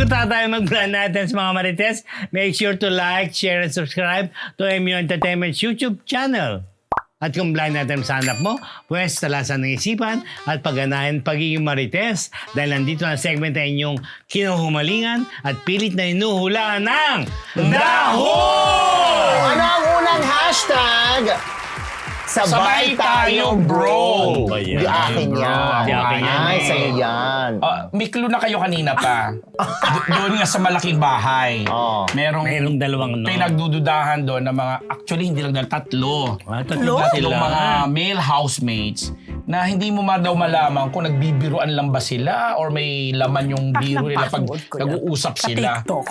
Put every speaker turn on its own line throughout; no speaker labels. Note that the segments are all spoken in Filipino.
Bago tayo mag-plan natin sa mga Marites, make sure to like, share, and subscribe to MU Entertainment's YouTube channel. At kung blind natin sa hanap mo, pwes talasan ng isipan at pagganahan pagiging Marites dahil nandito na segment na inyong kinuhumalingan at pilit na inuhulaan ng Daho!
Ano ang unang hashtag? Sabay tayo, bro!
Ba yan?
Di akin yan.
Di akin yan.
Ay, sa'yo yan.
May clue na kayo kanina pa. Doon nga sa malaking bahay.
Oh.
Mayroong dalawang no.
Pinagdududahan doon ng mga, actually hindi lang tatlo.
Tatlo
Tatlong
sila.
mga male housemates na hindi mo daw malaman kung nagbibiruan lang ba sila or may laman yung biro nila pag nag-uusap sila.
TikTok.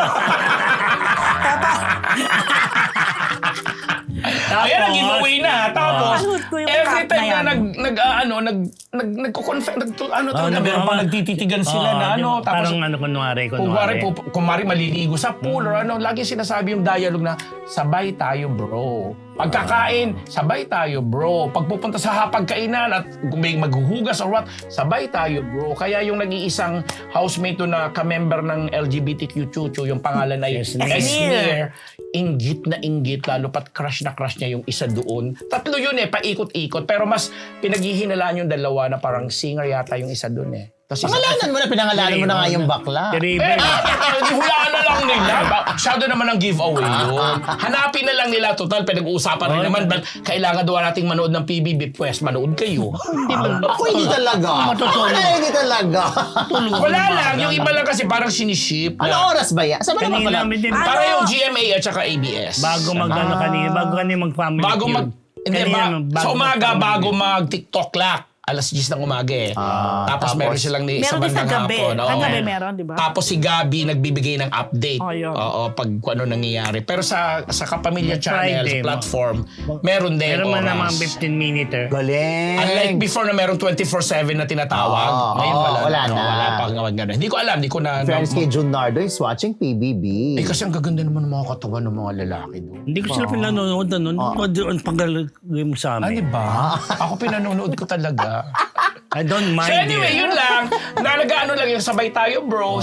Ayan ang giveaway na. Tapos,
Panood ko yung
every
cut
time
na
na
yan.
nagko-confess, meron pa nagtititigan sila na
Tapos,
tapos,
parang kunwari.
kumari maliligo sa pool or lagi sinasabi yung dialogue na, sabay tayo bro. Pagkakain, sabay tayo bro. Pagpupunta sa hapagkainan at may maghuhugas or what, sabay tayo bro. Kaya yung nag-iisang housemate to na ka-member ng LGBTQ chuchu, yung pangalan ay Esnir, inggit na inggit, lalo pat crush na crush niya yung isa doon. Tatlo yun paikot-ikot. Pero mas pinaghihinalaan yung dalawa na parang singer yata yung isa doon
Pangalanan mo na, pinangalanan mo na nga yung bakla.
Hulaan na lang nila. Shadow naman ang giveaway yun. Hanapin na lang nila. Total, pinag-uusapan rin naman. Kailangan daw nating manood ng PBB. Pues, manood kayo.
Ako hindi talaga. Ako hindi talaga.
Wala lang. Yung iba lang kasi parang siniship.
Ano oras ba yan? Saan ba naman pala?
Kanina namin din.
Para yung GMA at saka ABS.
Bago bago kanina mag-family
Bago
feud.
sa umaga, bago mag-TikTok clock. Alas 10 ng umaga Tapos meron silang sa
Meron din sa
bandang
gabi.
hapon.
Sa gabi meron, di ba?
Tapos si Gabi nagbibigay ng update.
Oh, yun.
Oo, pag kung ano nangyayari. Pero sa Kapamilya Channel,
Friday,
sa platform, meron din
Meron man
oras.
na mga 15-minute.
Galing.
Unlike before na meron 24/7 na tinatawag. Ngayon wala
wala
na.
na.
Wala pa gano'n. Hindi ko alam. Hindi ko na...
Friends kay Junardo is watching PBB.
kasi ang gaganda naman ng mga katawan ng mga lalaki doon.
Hindi ko sila pinanonood na nun. Ang paggalagay mo sa amin.
ba? Ako pinanonood ko talaga.
I don't mind
So anyway,
it.
yun lang. Nalagaan lang yung sabay tayo, bro.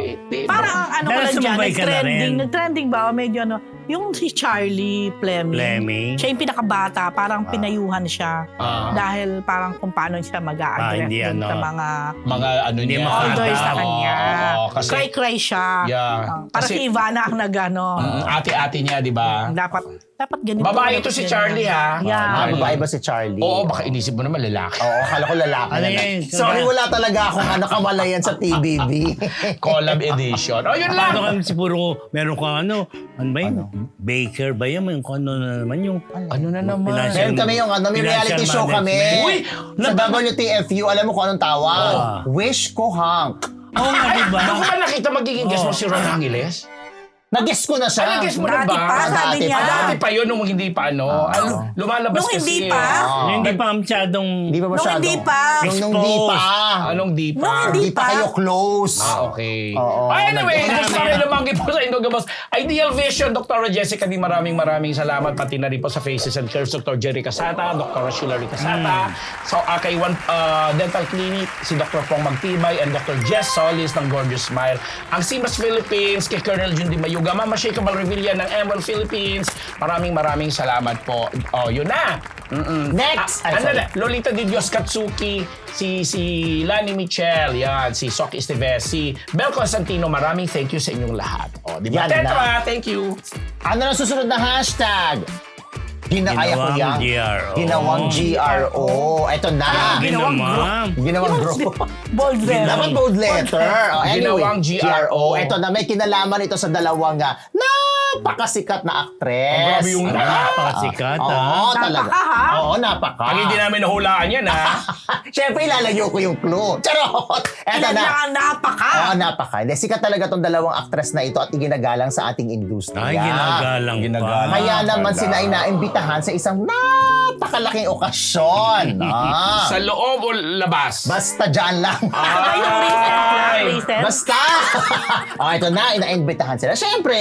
Parang ang
Dahil
ko lang dyan,
sumabay ka na rin.
nag-trending ba? Medyo yung si Charlie Fleming.
Fleming.
Siya yung pinakabata, parang pinayuhan siya. Dahil parang kung paano siya mag-a-address
hindi,
sa mga
mga ano
Hindi
niya.
makakatawa.
elders sa kanya.
Oo, kasi
Cry-cry siya.
Yeah.
Para
Kasi-
si Ivana ang nagano.
ate-ate niya, di ba?
Dapat ganito.
Babae ito
dapat
si
ganito.
Charlie, ha?
Yeah.
Babae ba si Charlie?
Oo, baka inisip mo naman lalaki.
Oo, akala ko lalaki
Ano
na lang.
yun?
Sorry, wala talaga akong kamalayan sa PBB.
Collab edition. Oh, yun lang.
Ano kami si puro, meron kang ano ba yun? Baker ba yun? May kung ano na naman yung...
Ano na naman?
Meron kami yung may reality show kami.
Uy!
Sa WTFU, alam mo kung anong tawag? Wish ko Hank.
Oo nga, diba?
Doon ko ba nakita magiging guest mo si Ron Angeles?
Nag-guess ko na siya.
Nag-guess mo na
Dati
ba?
pa, sabi
Dati
niya.
pa.
Dati pa yun, nung hindi pa ano. Lumalabas
Nung
kasi.
hindi pa?
Yung hindi pa masyadong...
Hindi pa masyado.
hindi pa.
Nung di pa.
Anong di pa?
Nung hindi
Di pa kayo close.
Okay.
Oo.
Anyway,
Nag-
gusto rin lumanggi po sa Indogamos. Ideal Vision, Dr. Jessica, maraming salamat. Pati na rin po sa Faces and Curves, Dr. Jerry Casata, Dr. Sheila Casata. So, kay One Dental Clinic, si Dr. Pong Magtibay and Dr. Jess Solis ng Gorgeous Smile. Ang Simas Philippines, kay Colonel Jundi Mayuga, Mama Sheikha Revilla ng Emerald Philippines. Maraming salamat po. Oh, yun na.
Next! Ay,
Ano
sorry.
na? Lolita Di Dios Katsuki, si Lani Michel, yan, si Soki Esteves, si Bel Constantino, maraming thank you sa inyong lahat. O, di ba?
Yan na.
Tetra, thank you.
Ano na susunod na hashtag? Ginawang
Ginawang GRO.
Ginawang GRO. Ito na.
Ginawang.
Ginawang group.
Bold letter.
Dapat bold letter. Anyway,
Ginawang GRO.
Ito na, may kinalaman ito sa dalawang napakasikat na actress.
Grabe yung
Napakasikat,
Oo, talaga.
Napaka, ha?
Oo, napaka.
Pag hindi namin nahulaan yan, ha?
Siyempre, ilalayo ko yung clue. Charot! Eto
Ilan
na.
lang ang napaka.
Oo, napaka. Hindi, sikat talaga tong dalawang actress na ito at iginagalang sa ating industriya.
Ay, ginagalang pa.
Ginagalang.
Kaya naman sila ay naimbitahan sa isang napakalaking okasyon.
Sa loob o labas?
Basta dyan lang.
Yung recent lang,
Ay.
recent.
Basta! Ito na, inaimbitahan sila. Siyempre,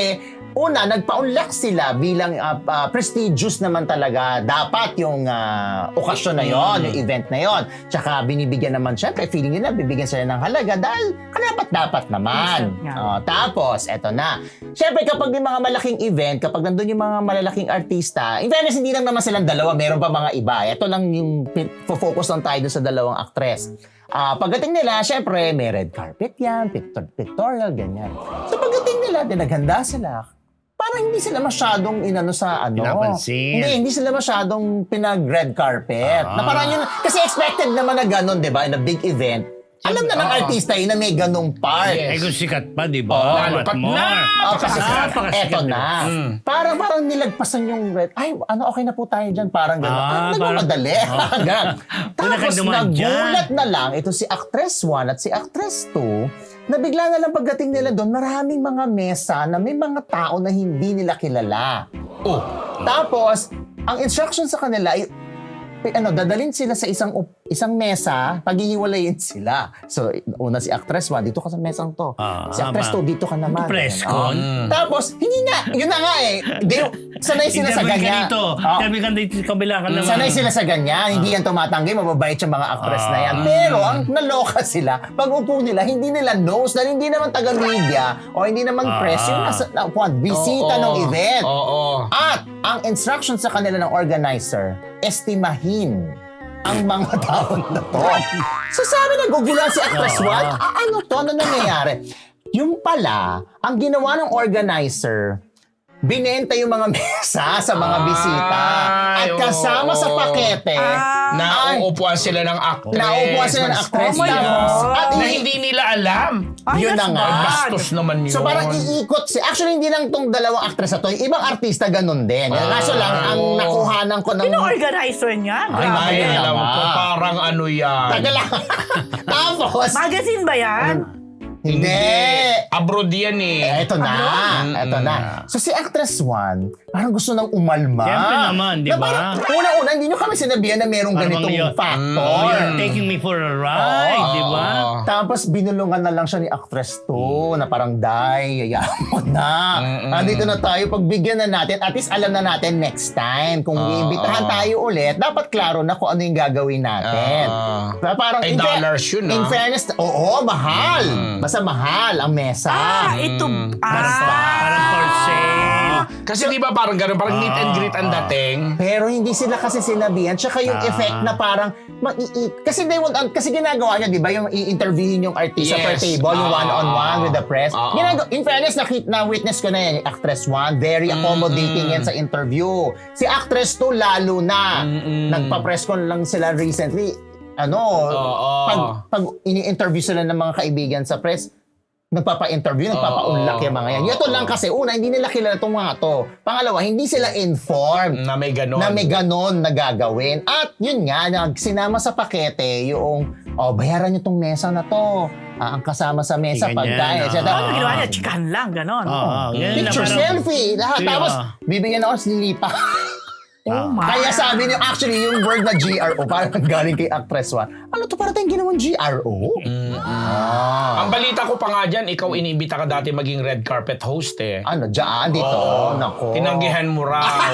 una, nagpa-unlock sila bilang prestigious naman talaga. Dapat yung okasyon na yon, yung event na yon. Tsaka binibigyan naman, syempre, feeling nila, bibigyan sila ng halaga dahil dapat naman. Tapos, eto na. Syempre, kapag may mga malaking event, kapag nandun yung mga malalaking artista, in fairness, hindi lang naman silang dalawa, meron pa mga iba. Ito lang yung focus lang tayo dun sa dalawang actress. Pagdating nila, syempre, may red carpet yan, pictorial, ganyan. So pagdating nila, naghanda sila. Parang hindi sila masyadong
Pinapansin.
Hindi sila masyadong pinag-red carpet. Na parang yun, kasi expected naman na ganun, di ba? In a big event. Alam na ng artista yun na may ganung part.
Eh kung sikat pa, di ba?
Lalo pat na.
Eto na. Parang nilagpasan yung red. Ay, okay na po tayo dyan. Parang gano'n. Nagmamadali. Tapos nagulat na lang, ito si Actress 1 at si Actress 2, na bigla na lang pagdating nila doon, maraming mga mesa na may mga tao na hindi nila kilala. Tapos, ang instruction sa kanila ay, dadalhin sila sa isang mesa, paghihiwalayin sila. So, una si Actress 1, dito ka sa mesang to. Si Actress 2, dito ka naman.
Presscon.
Tapos, hindi na. Yun na nga eh. Sanay sila sa ganyan.
Interview ka dito, kabila ka naman.
Sanay sila sa ganyan. Hindi yan tumatanggi. Mababait yung mga actress na yan. Pero, ang naloka sila, pag upo nila, hindi nila knows dahil hindi naman taga-media o hindi naman press yung bisita ng event. At, ang instruction sa kanila ng organizer, estimahin ang mga tao na to. So sabi, nagugulan si Actress 1, ano to? Ano nangyayari? Yung pala, ang ginawa ng organizer, binenta yung mga mesa sa mga bisita. At kasama sa pakete,
nauupuan sila ng actress.
At
na hindi nila alam.
Yun na nga.
Bastos naman yun.
So parang iikot actually hindi lang tong dalawang actress na to, yung ibang artista ganun din. Kaso lang, ang nakuhanan ko ng...
Sino organizer niyan?
Ay,
Grabe.
alam ko, parang ano yan.
Taga lang. Tapos,
Magazine ba yan?
hindi.
Abroad yan eh.
Eto na. So si Actress 1, parang gusto nang umalma.
Siyempre naman, di ba?
Una-una, hindi nyo kami sinabihan na merong ganitong factor.
You're taking me for a ride, di ba?
Tapos binulungan na lang siya ni Actress 2 na parang, yayaan mo na. Nandito na tayo, pagbigyan na natin, at least alam na natin next time. Kung iimbitahan tayo ulit, dapat klaro na kung ano yung gagawin natin. Parang,
Ay, dollars yun
in fairness, mahal. Basta mahal ang mesa.
Parang for sale.
Kasi di ba parang gano'n, parang meet and greet ang dating.
Pero hindi sila kasi sinabihan. Tsaka yung effect na parang kasi ginagawa niya, di ba, yung i-interviewin yung artista per table, yung one-on-one with the press. In fairness, na-witness ko na yan, yung Actress 1, very accommodating yan sa interview. Si Actress 2, lalo na. Nagpa-press con lang sila recently. Pag ini-interview sila ng mga kaibigan sa press, nagpapa-interview, nagpapa-unlock yung mga yan. Ito lang kasi, una, hindi nila kilala itong mga to. Pangalawa, hindi sila informed
Na may ganon.
na may ganon na gagawin. At yun nga, sinama sa pakete yung, bayaran nyo tong mesa na to. Ang kasama sa mesa,
Ganyan,
pagkain.
Ano ginawa niya? Chikahan lang, ganon.
Picture, selfie, lahat. Tapos, bibigyan ako sa lilipa. Kaya sabi niyo, actually, yung word na GRO, parang galing kay Actress 1. Ano to, parang tayong ginawang GRO?
Ang balita ko pa nga dyan, ikaw inibita ka dati maging red carpet host eh.
Ano, dyan, dito. Nako.
Tinanggihan mo raw.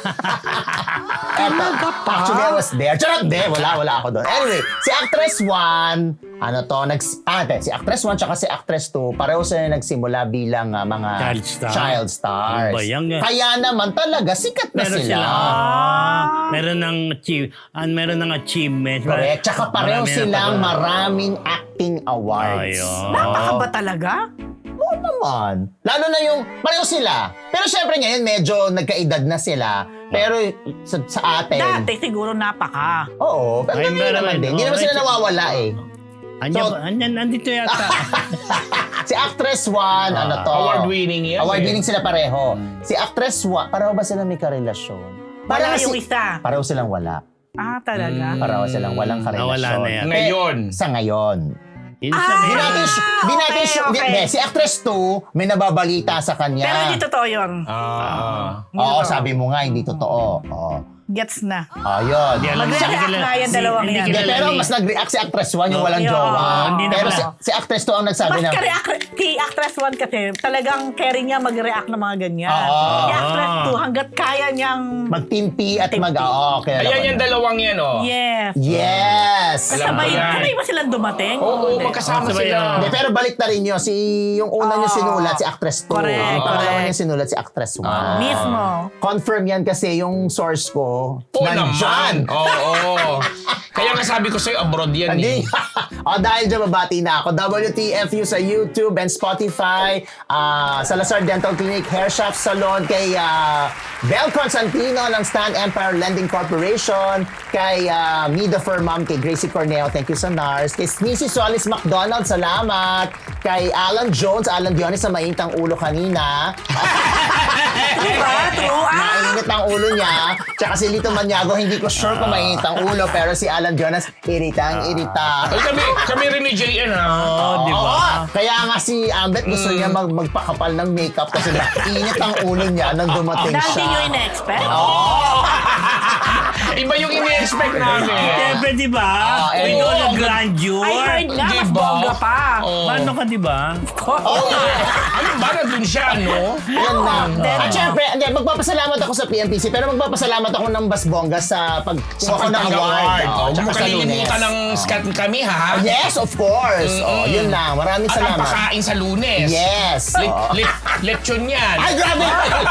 Actually, I was there. Charot, wala ako doon. Anyway, si Actress 1, si Actress 1 tsaka si Actress 2, pareho sila nagsimula bilang mga child stars. Kaya naman talaga, sikat na sila.
Meron ng achievement.
Correct. Tsaka pareho silang maraming acting awards.
Napaka ba talaga?
Oo naman. Lalo na yung, pareho sila. Pero syempre ngayon, medyo nagkaedad na sila. Pero sa atin...
Dati siguro napaka.
Oo. Pero ngayon naman din. Hindi naman sila nawawala eh.
Andito yata.
Si Actress 1,
Award-winning yan.
Award-winning sila pareho. Si Actress 1, pareho ba sila may karelasyon?
Wala yung isa.
Pareho silang wala.
Talaga?
Pareho silang walang karelasyon.
Wala na yan.
Ngayon.
Sa ngayon.
Di natin
okay.
Si Actress 2, may nababalita sa kanya.
Pero hindi totoo yun.
Oo, sabi mo nga, hindi totoo. Oo.
Gets na.
Ayun.
Hindi alam.
Mag-react
Hindi
nga yan, dalawang
hindi
yan.
kilala
Pero
ni-
mas nag-react si Actress 1 yung walang
Yeah.
jowa.
Hindi na
Pero
pala.
si Actress 2 ang nagsabi
Mas
na,
kay Actress 1 kasi talagang carry niya mag-react ng mga ganyan.
Oo.
Kay Actress 2 hanggat kaya niyang...
mag-timpi at okay.
Ayan yung dalawang yan, oh.
Yes.
Yes!
Alam ko
Sabay,
yan.
sabay ba silang dumating?
Oo,
Hindi.
magkasama
Sabay
sila.
yan.
Hindi, pero balik na rin yun. Yung una niya
Oo.
sinulat, si Actress 2.
Correct,
Yung pangalawa
correct.
niya sinulat, si Actress 1.
Mismo.
Confirm yan kasi yung source ko,
Oo
nandyan.
naman. Oo. Kaya nga sabi ko sa'yo, abroad yan
Hindi.
eh.
Dahil dyan, babati na ako. WTFU sa YouTube and Spotify. Salazar Dental Clinic, Hair Shop Salon, kay Bel Constantino ng Stan Empire Lending Corporation, kay Mida Mom, kay Gracie Corneo, thank you sa NARS, kay Sneezy Solis McDonald, salamat, kay Alan Jones, Alan Dionis sa maintang ulo kanina.
Diba? True.
Mainit ang ulo niya. Tsaka si Lito Maniago, hindi ko sure kung mainit ang ulo, pero si Alan Jonas, irita.
Ay, kami rin ni JN, ha?
Oo, di ba?
Oo, kaya nga si Ambet gusto niya magpakapal ng makeup kasi mainit ang ulo niya nang dumating
Dahil di
siya.
nyo in-expect.
Iba yung ini-expect namin.
Siyempre, di ba?
eh,
With all the
oo.
grandeur.
I heard nga, mas
Diba?
bongga pa.
Oo.
Paano ka, di ba?
Ano ba? Nandun siya, no?
Yan na.
Then,
At syempre, hindi, magpapasalamat ako sa PMPC, pero magpapasalamat ako ng Basbongga sa pagkuha ko ng award.
Oh,
Tsaka
huwag mo
sa
kalilimutan
Lunes.
ng scat kami, ha?
Yes, of course. Yun lang. Maraming
At ang
salamat.
pakain sa Lunes.
Yes.
Lechon yan.
Ay, grabe!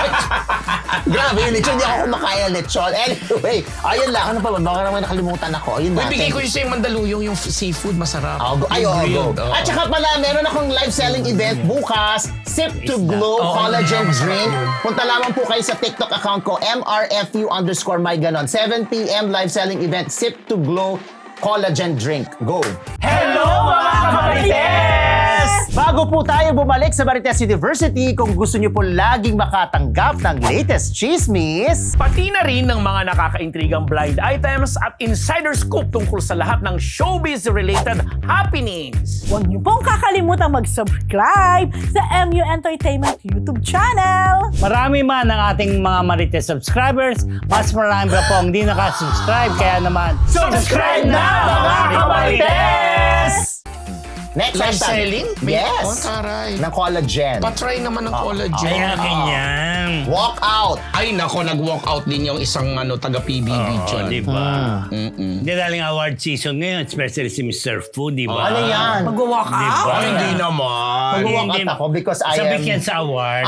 Grabe, yung lechon. Hindi ako kumakain ng lechon. Anyway, ayun lang. Ano pa ba? Baka naman nakalimutan ako. Ayun
Uy,
na.
bigay
Thank
ko yung sa'yo Mandaluyong, yung seafood, masarap.
Ay,
Yung
go.
grilled, oo.
At saka pala, meron akong live selling event bukas, Sip to Glow Collagen Drink. Punta lamang po kayo sa TikTok account ko, MRFU_myganon. 7 p.m. live selling event, Sip to Glow Collagen Drink. Go!
Hello, mga kamarites!
Bago po tayo bumalik sa Marites University, kung gusto niyo po laging makatanggap ng latest chismis,
Pati na rin ng mga nakakaintrigang blind items at insider scoop tungkol sa lahat ng showbiz-related happenings.
Huwag niyo pong kakalimutan mag-subscribe sa MU Entertainment YouTube channel.
Marami man ang ating mga Marites subscribers, mas marami pa po ang hindi nakasubscribe. Kaya naman,
subscribe na mga kamarites! Next
Live
hashtag.
selling?
Yes.
Oh, taray.
Ng collagen.
Patry naman ng collagen.
ay akin yan.
Walk out.
Ay, nako, nag-walk out din yung isang taga-PBB dyan.
Di ba?
Mm-mm.
Hindi daling award season ngayon, especially si Mr. Fu, di ba?
Ano yan?
Mag-walk
Di
out?
ba?
Ay, hindi naman.
Mag-walk
Hindi-
out ako because I am...
Sabik yan sa award.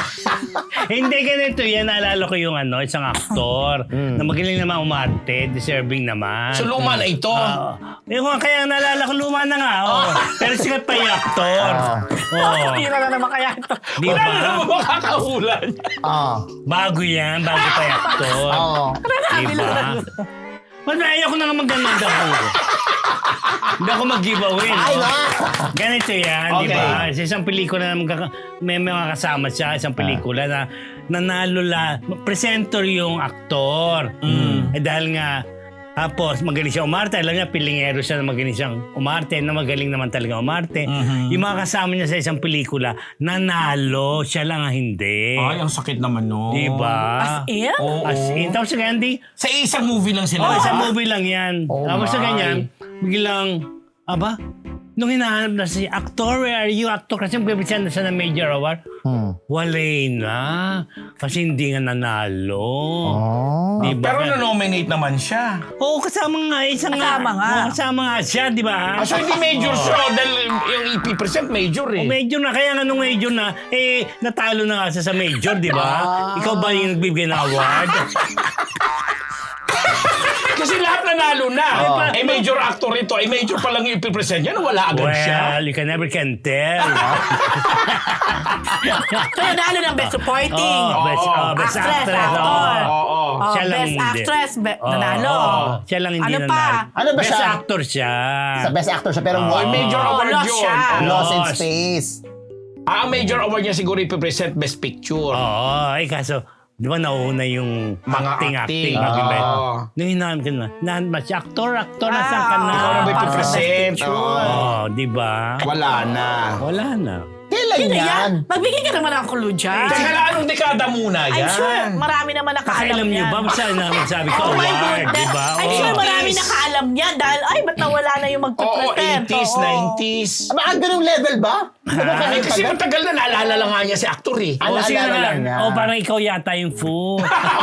Hindi ganito yan. Naalala ko yung isang aktor na magaling naman umarte, deserving naman.
So, luma na ito.
Yung kaya naalala ko, luma na nga. Oh. Pero sikat pa yung aktor. Oh.
Hindi na naman kaya ito.
Di
Wala na
ba?
naman makakahulan.
Ah.
Bago yan, bago pa yung aktor.
Oo.
Di ba? Mas ayaw ko na nga mag-ganun ako. Hindi ako mag-giveaway.
Ay,
no?
na!
Ganito yan, di
Okay.
ba? Sa isang pelikula na may mga kasama siya, isang pelikula na nanalo presenter yung aktor. Eh dahil nga, tapos magaling siya umarte. Alam niya, pilingero siya na magaling siyang umarte, na magaling naman talaga umarte. Yung mga kasama niya sa isang pelikula, nanalo. Siya lang ang hindi.
Ay, ang sakit naman, no?
Di ba?
As in?
Oo.
As in. Tapos sa ganyan,
Sa isang movie lang sila.
isang movie lang yan.
Oh
Tapos sa
my.
ganyan, biglang, nung hinahanap na si actor, where are you, actor? Kasi bibigyan na siya ng major award. Walay na. Kasi hindi nga nanalo.
Oh.
Di ba?
Pero na-nominate naman siya.
Oo, kasama nga.
Kasama nga.
Oo, kasama nga siya, di ba?
So, hindi major siya. Dahil yung EP% major eh.
Major na. Kaya nga nung major na, natalo na nga siya sa major, di ba? Ikaw ba yung nagbibigay ng award?
Kasi lahat nanalo na. Major actor ito. Major pa lang yung EP% niya. Wala agad siya.
Well, you can never can tell.
So, nanalo ng Best Supporting.
Best
Actress,
actress.
actor.
Oo.
Siya lang
Best
hindi.
Actress, nanalo.
Siya lang hindi
Ano
nanalo.
pa?
Ano ba
Best
siya?
actor siya.
Sa best actor siya, pero
Major award
lost
yun.
siya.
Lost in
Lost.
Space.
Ang major award niya siguro ipipresent Best Picture.
Oo, kaso, di ba nauna yung
Mga
acting.
acting.
Nung hinahanap ka na, si actor, nasan ka na?
Ikaw na ba ipipresent?
Oo, di ba?
Wala na.
Wala na.
Kailan
Sino
yan?
Magbigay ka naman ng clue dyan.
Teka lang, anong dekada muna yan?
I'm sure marami naman nakaalam
Pakialam niyo
yan.
ba? Basta namin sabi ko,
Oh my
award,
goodness.
di ba?
I'm
Oh.
sure marami nakaalam yan dahil, ay, ba't nawala na yung
Oo,
magpapresent?
80s,
Oo.
90s.
Baka ganung level ba?
Eh, kasi matagal na naalala lang nga niya si actor eh.
Ano,
O, sige
alala
na.
lang niya.
O, parang ikaw yata yung fool.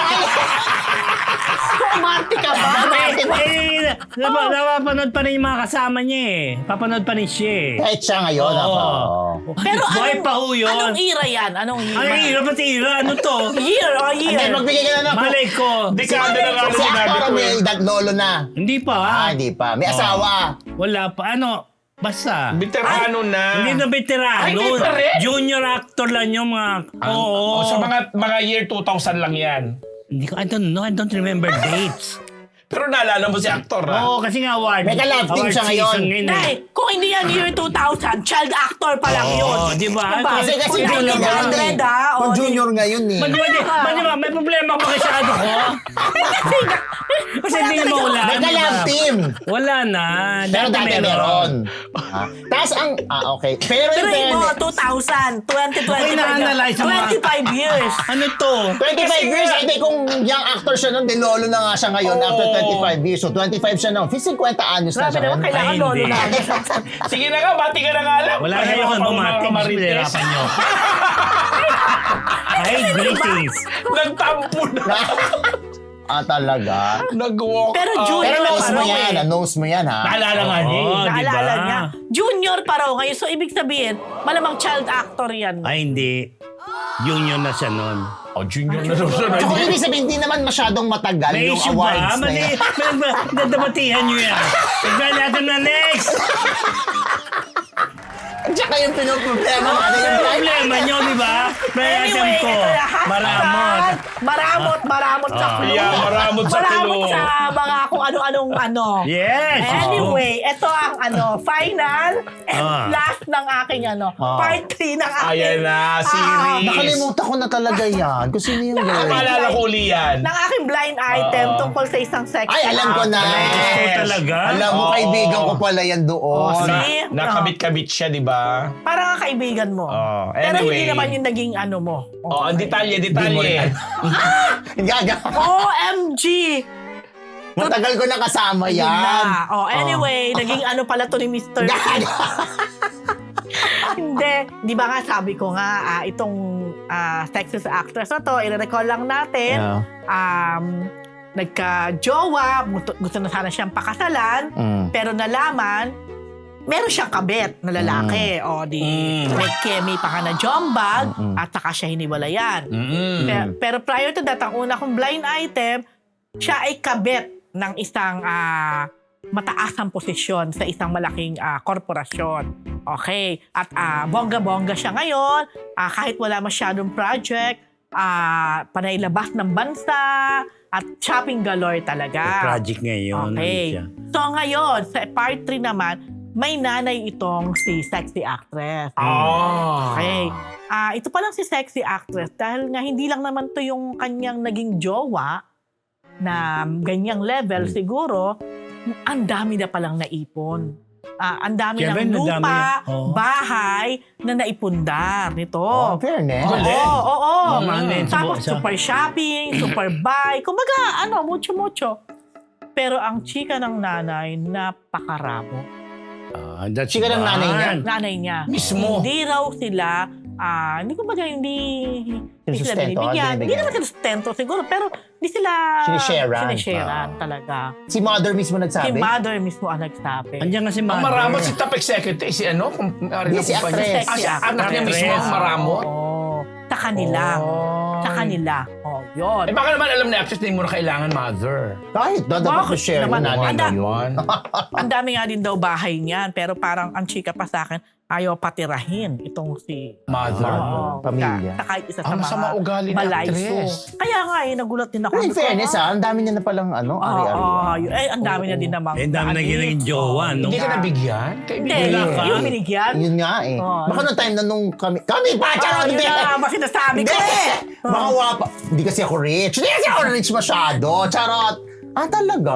Umarte ka ba? Umarte ba?
Napapanood pa rin yung mga kasama niya eh. Papanood pa rin siya eh.
Kahit siya ngayon,
Oo.
ako.
Pero
Buhay pa ho yun.
anong era yan? Anong era?
Ano ira? Pati ira? Ano to?
Year,
Hindi,
year.
magbigay ka na ng...
Malay ko.
Dekada na nga
Si
sinabi
actor
ko
may
eh.
edad lolo na.
Hindi pa ha?
Hindi pa. May asawa.
Wala pa. Ano? Basta.
Veterano na.
Hindi na veterano.
Ay, hindi pa rin?
Junior actor lang yung mga... Oo.
O, sa mga year 2000 lang yan.
Hindi ko, I don't know. I don't remember dates.
Pero naalala mo si actor ha?
Oo, kasi nga award.
May ka-love team
award
siya ngayon.
season eh.
Dahil, kung hindi yan year 2000, child actor pa lang yun.
Oo, di ba?
Kasi
Kung
junior
1900,
ngayon eh. Kung
o,
junior ngayon eh.
Di ba? May problema ba kasi ano ko? Kasi hindi na mawala.
May ka-love team.
Wala na.
Pero dati meron. Tapos ang... okay. Pero in
Pero mo,
fairness,
2000, 2025.
Ay, na-analyze ang mga-
25 years.
Ano to?
25 years, hindi kung young actor siya nun, lolo na nga siya ngayon after 25 years. So 25 siya nun. 50 anyos na
Grabe
siya
naman,
ngayon.
kailangan
Ay,
lolo
hindi.
na.
Sige na nga, bati ka na nga lang.
Wala
Pareho
kayo
pa
kung
mga
bumati.
Marites.
Pinahirapan nyo. Ay, greetings.
Nagtampo na.
Talaga.
Nag-walk
Pero
out.
junior
Pero
na
knows mo
parang
yan.
eh.
Knows mo yan, ha?
Naalala nga niya.
Oo, di ba?
Naalala niya. Junior pa raw ngayon. So, ibig sabihin, malamang child actor yan.
Ay, hindi. Junior na siya nun.
Oh, junior na daw siya.
So, ibig sabihin, hindi naman masyadong matagal
May
yung
issue
awards
ba?
na yan.
Dadabatihan nyo yan. Tignan natin na next.
Tsaka yung pinoproblema natin yung
Ang problema nyo, di ba? May item ko.
ito na, hashtag,
Maramot.
Maramot sa clue.
Yeah, maramot sa
Maramot
clue.
sa mga kung ano-anong ano.
Yes.
Anyway, ito ang final and
Ah.
last ng aking part 3 ng aking
Ayan na, series.
Nakalimutan ko na talaga yan. Kung sino yung girl.
Maalala ko uli yan.
ng aking blind item tungkol sa isang sex.
Ay, alam ko na.
Gusto talaga.
Alam mo,
Oo.
kaibigan ko pala yan doon.
see?
Nakabit-kabit siya, di ba?
Parang ang kaibigan mo.
Oh,
Pero hindi
anyway.
naman yung naging ano mo.
Oh, ang detalye.
Gaga.
OMG!
Matagal ko na kasama
Yun
yan.
na. Anyway, naging ano pala to ni Mr.
Gaga.
Hindi. Di ba nga sabi ko nga, itong sexist actress na to, i-recall lang natin, nagka-jowa, gusto na sana siyang pakasalan, pero nalaman, meron siyang kabet na lalaki. O di, may kemi pa ka na jombag, at saka siya hiniwalayan. Pero prior to that, ang una kong blind item, siya ay kabet ng isang mataasang posisyon sa isang malaking korporasyon. Okay. At bongga-bongga siya ngayon. Kahit wala masyadong project, panailabas ng bansa, at shopping galore talaga.
Project ngayon.
Okay.
Ano siya?
So ngayon, sa part 3 naman, may nanay itong si sexy actress.
Oh.
Okay. Ito pa lang si sexy actress dahil nga hindi lang naman to yung kanyang naging jowa na ganyang level siguro, ang dami na palang naipon. Ang dami
Siyempre,
ng
ang dami
lupa,
na. Oo.
bahay na naipundar nito.
Oh, fairness.
Oo.
Mahal na yun sa
Tapos
busa.
super shopping, super buy. Kumbaga, mucho-mucho. Pero ang chika ng nanay, napakaramo.
That's
Chika ng nanay niya.
Nanay niya.
Mismo.
Hindi raw sila, hindi ko ba hindi sila
Sinusustento,
binibigyan.
binibigyan.
Hindi naman sila sustento siguro, pero hindi sila sinisharean talaga.
Si mother mismo
Si
nagsabi.
mother mismo ang nagsabi.
Andiyan nga si
Ang
Mother.
maramot si top executive, si ano?
Hindi, si actress.
Si anak niya mismo ang maramot.
Oo. Sa kanila. Sa kanila. Yun.
Eh baka naman alam na actress na hindi mo na kailangan mother.
Kahit dapat
Bakit
ko share
naman?
yung nanay
Anda-
mo.
Yun.
Ang dami nga din daw bahay niyan, pero parang ang chika pa sa akin, ayaw patirahin itong si
Mother.
Pamilya.
Sa kahit isa sa
Ang
mga
masama ugali ng
malayso.
actress.
Kaya nga nagulat din ako.
Pero in fairness, ang dami niya na palang ari-ari.
Ang dami na din namang.
Eh, dami na ginaging jowa, no?
Hindi ka nabigyan?
Hindi,
Kaibigan
Wala ka?
yung binigyan.
Yun nga eh.
Oh.
Baka nung time na nung kami pa! Charot!
Yun
Hindi!
na nga sinasabi ko
Hindi!
eh.
Baka wapa. Hindi kasi ako rich. Hindi kasi ako rich masyado. Charot! Talaga?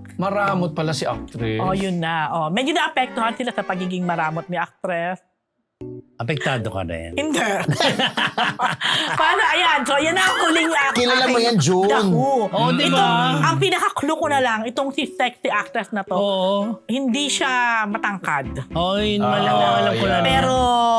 Maramot pala si actress.
Yun na. Medyo naapektuhan sila sa pagiging maramot ni actress.
Apektado ka rin.
Hindi. Paano? Ayan. So, yan ang huling
Kilala mo yan, June.
The Who.
Oo, di
Ito,
ba?
ang pinaka-clue ko na lang, itong si sexy actress na to,
Oo.
hindi siya matangkad.
Oo, yun alam ko
yeah.
na.
Pero,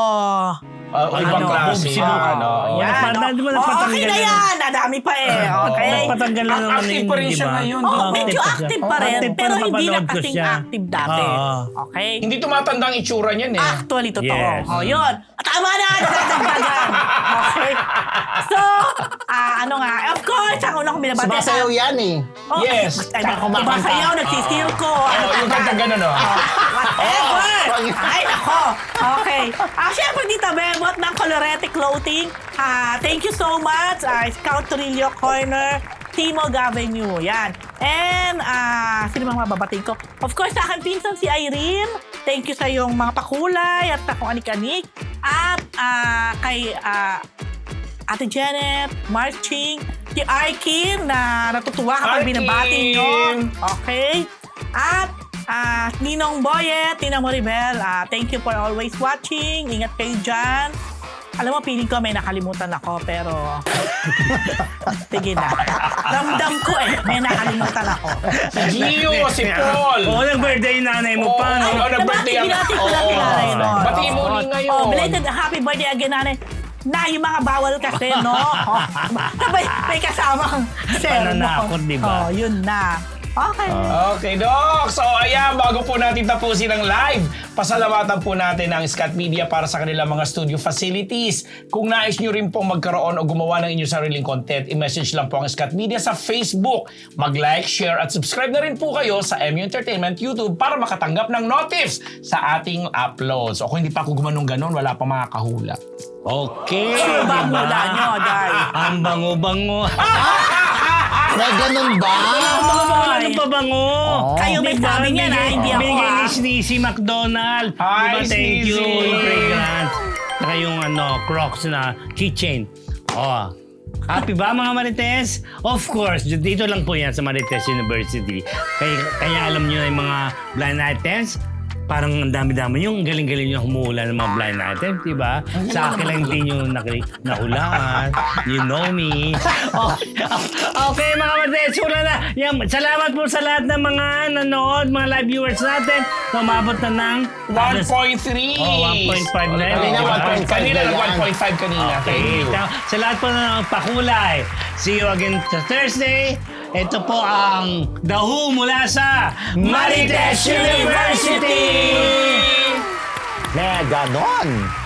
Ibang
Ano,
klase.
boobs yun.
Ano.
Wala
yan.
pa- di ba nagpatanggal
okay na
na?
yan. Nadami pa eh. Okay.
Nagpatanggal na naman
Active
yun,
pa rin
di
siya
ba?
ngayon.
Oh,
Oo,
medyo
pa siya.
active pa rin.
Active pa,
Pero hindi na
napapanood ko
kasing
siya.
active dati.
Oo.
Okay?
Hindi tumatanda ang itsura niyan eh.
Actually, totoo.
Yes.
Oh, yun. Tama na! Nadagdagan. Okay? So, ano nga, of course, ang unang binabati.
Sumasayaw yan eh.
Oh,
Yes.
Ay,
Tsaka kumakanta.
sumasayaw, nagsisilko.
Yung kanta gano'n, no?
Whatever! Ay, nako. Okay. Siyempre, Tita Bebot ng Colorete Clothing. Thank you so much. Scout Torillo Corner. Timo Gavenue. Yan. And, sino mga mababating ko? Of course, sa akin pinsan si Irene. Thank you sa iyong mga pakulay at kung anik-anik. At kay Ate Janet, Marching, si Arkin na natutuwa kapag
Arkin!
binabati nyo. Okay? At Ninong Boyet, Tina Moribel, thank you for always watching. Ingat kayo dyan. Alam mo, feeling ko may nakalimutan ako, pero sige na. Ramdam ko may nakalimutan ako.
Si Gio, si Paul.
Oo, nag-birthday yung nanay mo pa, no?
Oo, nag-birthday ang...
Binati ko lang
Oo.
nanay nun.
Batiin mo ulit ngayon.
Oh, belated happy birthday again, nanay. Na, yung mga bawal kasi, no? May kasamang sermon.
Pananakot, di ba?
Oh, yun na. Okay.
Okay, Doc. So, ayan, bago po natin tapusin ang live, pasalamatan po natin ang Scott Media para sa kanilang mga studio facilities. Kung nais nyo rin pong magkaroon o gumawa ng inyong sariling content, i-message lang po ang Scott Media sa Facebook. Mag-like, share, at subscribe na rin po kayo sa MU Entertainment YouTube para makatanggap ng notifs sa ating uploads. O kung hindi pa ako gumanong ganon, wala pa makakahula.
Okay.
Sure ba ang
diba?
hula nyo, Day?
Ang bango-bango.
May ganun ba?
Ano pa bango?
Kayo may
Diba?
sabi niyan, hindi ako,
Bigay ni Sneezy McDonald.
Hi,
Diba? Thank you.
Sneezy.
Yung fragrance. Saka yung Crocs na keychain. Oh. Happy ba mga Marites? Of course, dito lang po yan sa Marites University. Kaya alam nyo na yung mga blind items. Parang ang dami-dami yung galing-galing yung humuhula ng mga blind items, di ba? Sa akin lang hindi nyo nahulaan. You know me. Okay, mga Marites, hula na. Yan, salamat po sa lahat ng mga nanood, mga live viewers natin. Umabot na ng
1.3.
Oh, 1.5 na yun.
Kanina,
Diba?
1.5
Kanina,
na yan.
1.5 kanina. Thank you.
Sa lahat po na pakulay. See you again sa Thursday. Ito po ang The Who mula sa Marites University!
May ganon.